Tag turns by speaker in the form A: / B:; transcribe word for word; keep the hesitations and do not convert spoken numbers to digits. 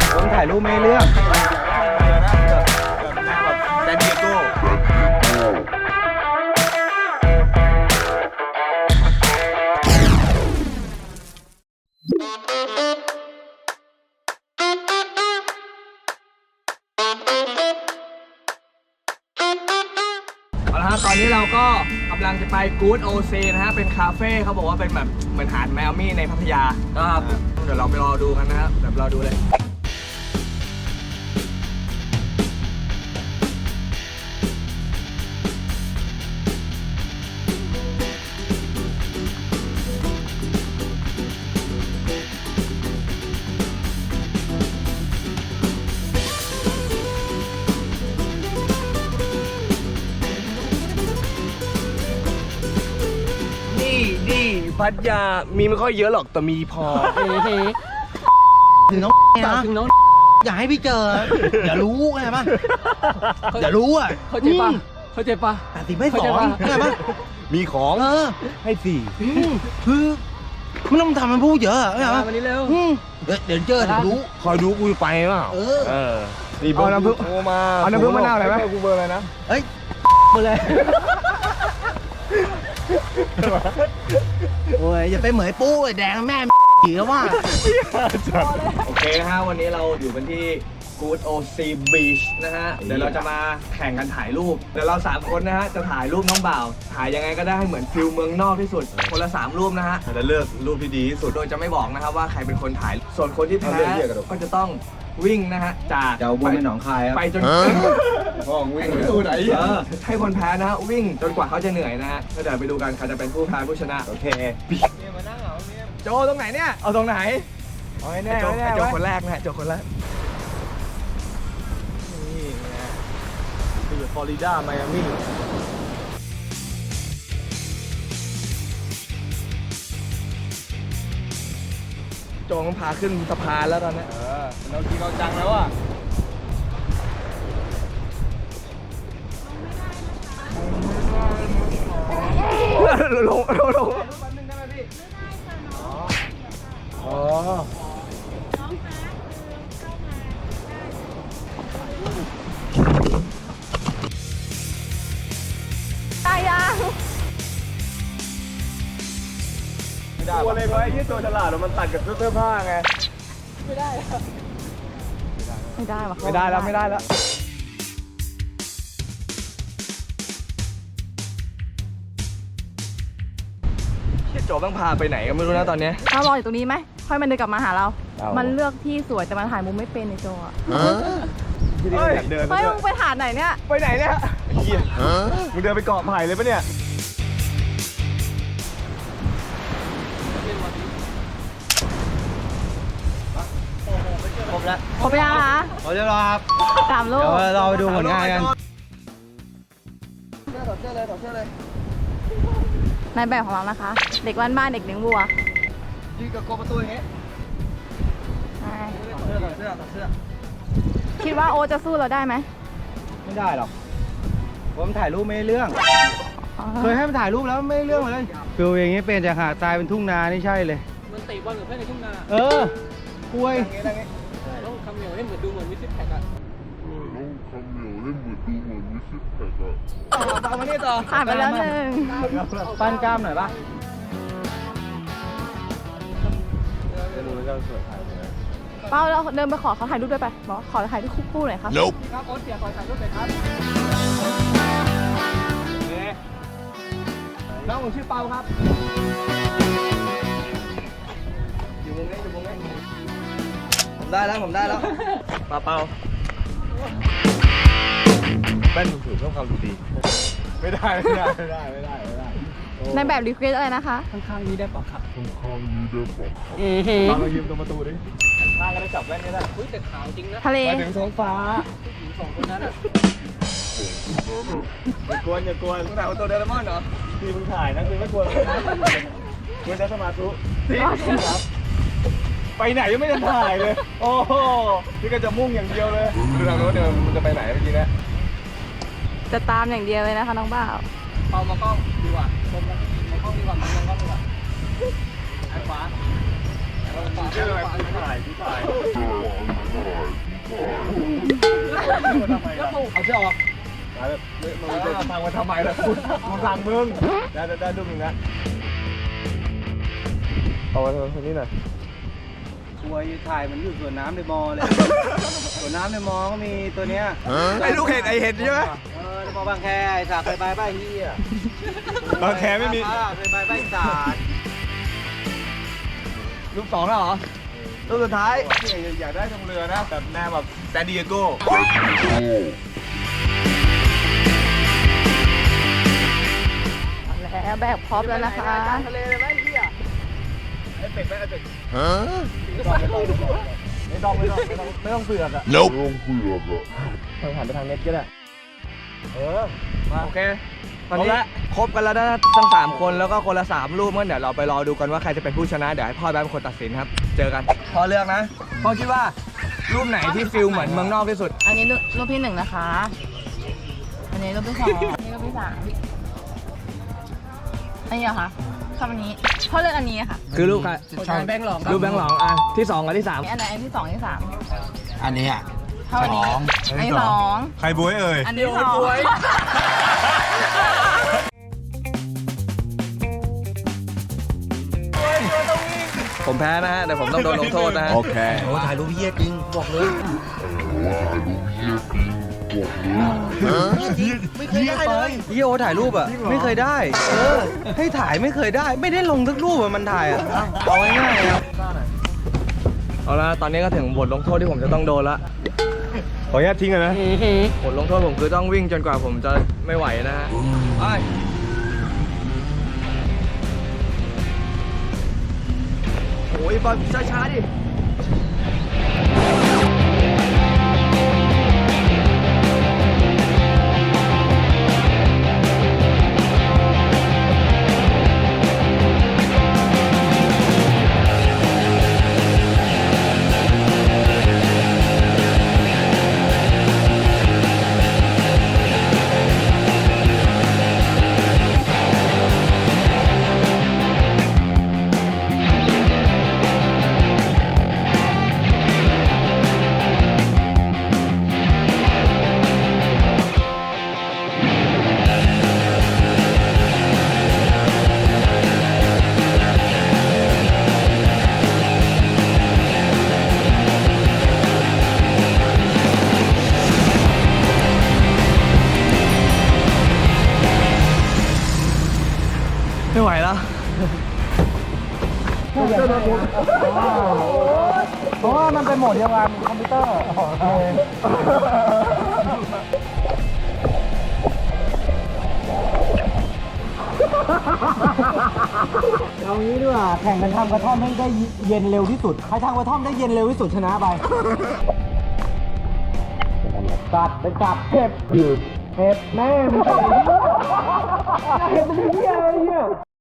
A: ผมถ่ายรูปไม่เรื่อง
B: แซนดิเอโก้
C: เอาละฮะตอนนี้เราก็กำลังจะไปกู๊ดโอเซนะฮะเป็นคาเฟ่เขาบอกว่าเป็นแบบเหมือนหาดแมวมี่ในพัทยาครับเดี๋ยวเราไปรอดูกันนะครับเดี๋ยวรอดูเลยพัทยามีไม่ค่อยเยอะหรอกแต่มีพอ
A: ถึงน้องนะถึงน้องอย่าให้พี่เจออย่ารู้ไงป่ะอย่ารู้อ่ะ
C: เข้าใจป่ะเข้าใจป่ะ
A: แต่สิไม่สองไงป่ะ
B: มีของ
A: เออ
B: ให้สี่
A: คือไม่ต้องทำมันพูดเยอะไงป่ะ
C: วันนี้เร็ว
A: เดี๋ยวเจอถึงรู้
B: คอยดูกูไปเปล่า
A: เออ
B: เออนี่เอาน้ำผึ้งโทรมา
C: เอาน้ำผึ้งมะนาวอะไรไหม
B: กูเบอร์อะไรนะ
A: เฮ้ยเบอร์เลยโอ้ยอย่าไปเหมยปู้แดงแม่ผีแล้วว่า
C: โอเคนะฮะวันนี้เราอยู่กันที่ Good Ocean Beach นะฮะเดี๋ยวเราจะมาแข่งกันถ่ายรูปเดี๋ยวเราสามคนนะฮะจะถ่ายรูปน้องบ่าวถ่ายยังไงก็ได้ให้เหมือนฟิลเมืองนอกที่สุดคนละสามรูปนะฮะ
B: จะเลือกรูปที่ดีที่สุด
C: โดยจะไม่บอกนะครับว่าใครเป็นคนถ่ายส่วนคนที่แพ้ก็จะต้องวิ่งนะฮะจาก
A: จะวนไปหนองคาย
C: ไปจน
B: ห้องวิ่งไปไหน
C: ให้คนแพ้นะฮะวิ่งจนกว่าเขาจะเหนื่อยนะฮะเดี๋ยวไปดูกันใครจะเป็นผู้แพ้ผู้ชนะ
B: โอเค
C: มานั่งเหรอโจตรงไหนเนี่ยเอาตรงไหนเอาให้แน่โจโจคนแรกนะโจคนแรกนี่นะอยู่ฟลอริดาไมอามี่โจต้องพาขึ้นสะพานแล้วตอนนี้เออเราจริงเราจังแล้วอ่ะลงลงลงอ๋อ
D: ตายยัง
C: ตัวเล็กไว้ที่ตัวฉลาดมันตัดกับเสื้อผ้าไง
D: ไม่ได้ไม่ได้วะ
C: ไม่ได้แล้วไม่ได้แล้วที่โจต้องพาไปไหนก็ไม่รู้นะตอนนี้
D: เรารออยู่ตรงนี้ไหมค่อยมันเดินกลับมาหาเรามันเลือกที่สวยแต่มันถ่ายมุมไม่เป็นในโจอ่ะ
C: เฮ้ยเดิน
D: ไม่มึงไปถ่ายไหนเนี่ย
C: ไปไหนเนี่ยเฮียมึงเดินไปเกาะไผ่เลยปะเนี่ย
A: ครบแล้ว
D: ครบยังคะ
A: ครบแล้วครับ
D: สามลูก
A: เดี๋ยวเราไปดูผลงานกัน
C: ถอดเสื้อเลยถอดเสื้อเลย
D: นายแบบของเรานะคะเด็กบ้านบ้านเด็กเลี้ยงวัว
C: ยืนกับโกประตูอย่างเงี้ยถอดเสื้อถอดเสื้อถอดเสื้อ
D: คิดว่าโอจะสู้เราได้ไหม
A: ไม่ได้หรอกผมถ่ายรูปไม่เรื่องเคยให้มันถ่ายรูปแล้วไม่เรื่องเลยฟิลอย่างนี้เป็นจากหาดทรายเป็นทุ่งนานี่ใช่เลย
C: มันตีบอลกับเพื่อนในทุ่งนา
A: เออคุย
C: ต้องคำเหนียวให้เหมือนดูเหมือนวิสิตแพ็กอะ
E: ต้องคำเหนียวให้เหมือนดูเหมือนวิสิตแพ็กอะ
C: ต่อมานี่ต่อ
D: ผ่านไปแล้วหนึ่ง
A: ปั้นกล้ามหน่อยปะ
D: เป้าเราเดินไปขอเขาถ่ายรูปด้วยไปบอกขอถ่ายรูปคู่ๆหน่อยครับ
C: ครับโอ๊ตเสียขอถ่ายรูปหน่อยครับน้องผมชื่อเปาครับอยู่มุมนี้อยู่มุมนี้ผมได้แล้วผมได้แล้วเปาเปา
B: แป้นถูกๆเพิ่มความดูดีไม่ได้ไม่ได้ไม่ได้ไม่ได้ไม่ได้
D: ในแบบรีเควสอะไรนะคะ
C: ข้างๆนี้ได้ปะครับ
E: ข้างๆนี้ได้ปะครับ
C: ตอนเรายืมตรงประตูดิข้างก็ได้จับแว่นนี้ได้อุ้ยแต่ขาวจริงนะ
D: ทะเล
C: ไปถึงท้องฟ้าผู้หญิงสองคนนั้นอ่ะอย่ากวนอย่ากวนมึงถ่ายตัวเดลมอนเหรอที่มึงถ่ายนะคือไม่กวนมึงจะสมาธิครับไปไหนยังไม่ได้ถ่ายเลยโอ้โหพี่ก็จะมุ่งอย่างเดียวเลยดูทางโน้นเดี๋ยวมึงจะไปไหนเมื่อกี้นะ
D: จะตามอย่างเดียวเลยนะคะน้องบ่าว
C: เปามากล้องดีกว่าชมมากล้องดีกว่ามองกล้องดีกว่าไอ้ขวา
B: ชื่ออะไรพี่ถ่ายพี่ถ่าย
C: เอาเชือกออกมึงจะทางมาทำไมล่ะคุณมึงสั่งมึงได้ได้ได้รูปหนึ่งนะเอาไว้ตรงนี้หน่อย
A: กลัวอยู่ถ่ายมันอยู่สวนน้ำในมอเลย สวนน้ำในมอก็มีตัวเนี้ย
C: ไอ้ลูกเห็ดไอ้เห็ดใช่ไหม
A: เออในมอบางแคไอ้สากเคยไปบ้านเฮีย
C: บางแคไม่มี
A: เคยไปบ้านสาก
C: รูปสองแล้วเหรอรูปสุดท้ายอยากได้ทงเรือนะแบบแนวแบบแซนดิเอโก้
D: แล้วแบกพร็อพแล้วนะคะ
C: ทะเลเลยไหมพี่อ่ะไอ้เป็ดไหมไอ้เป็ดไม่ต้องไม่ต้องไม่ต้องไม่ต้องไม่ต้องเสือกอ่ะ
E: Nope ไม่ต้องเผือกอะ
C: ทางหันไปทางเน็ตก็ได้เออมาโอเคตอนนี้ครบกันแล้วนะทั้งสามคนแล้วก็คนละสามรูปงั้นเดี๋ยวเราไปรอดูกันว่าใครจะเป็นผู้ชนะเดี๋ยวให้พ่อแบงค์เป็นคนตัดสินครับเจอกันพ่อเลือกนะพ่อคิดว่ารูปไหนที่ฟิลเหมือนเมืองนอกที่สุด
D: อันนี้รูปรูปที่หนึ่งนะคะ อันนี้รูปที่สองอันนี้รูปที่สามอันนี้เหรอคะชอบอันนี้พ่อเลือกอันนี้ค่ะ
C: คือรูปใคร
D: แบงค์หลอง
C: รูปแบงค์หลองอ่ะที่สองกับที่สาม
D: อันไหนอันที่สองอันที่สาม
A: อันนี้อ่ะ
D: เท่าอันนี้อันที่สอง
B: ใครบวยเอ่ย
D: อันที่สอง
C: ผมแพ้นะฮะเดี๋ยวผมต้องโดนลงโทษนะฮะ
B: โอเค
A: โอ้ถ่ายรูปเฮียจริงบอกเลย ไม่เคยได้เลยเฮียโอถ่ายรูปอ่ะไม่เคยได้ เออให้ถ่ายไม่เคยได้ ไม่ได้ลงสักรูปอ่ะมันถ่ายอ่ะเอาง่ายๆครับ
C: เอาละตอนนี้ก็ถึงบทลงโทษที่ผมจะต้องโดนละ
B: ขออนุญาตทิ้งกันนะ
C: บทลงโทษผมคือต้องวิ่งจนกว่าผมจะไม่ไหวนะฮะไปโอ้ยบอลช้าๆดิ ไม่ไหวแล้ว
A: เพราะว่ามันเป็นโหมดเดียวกันคอมพิวเตอร์เอางี้ดีกว่าแข่งกันทำกระท่อมให้ได้เย็นเร็วที่สุดใครทำกระท่อมได้เย็นเร็วที่สุดชนะไปกัดเป็นกัดเห็บเห็บแม่มึงเห็บเป็นเหี้ยอะไรเนี่ย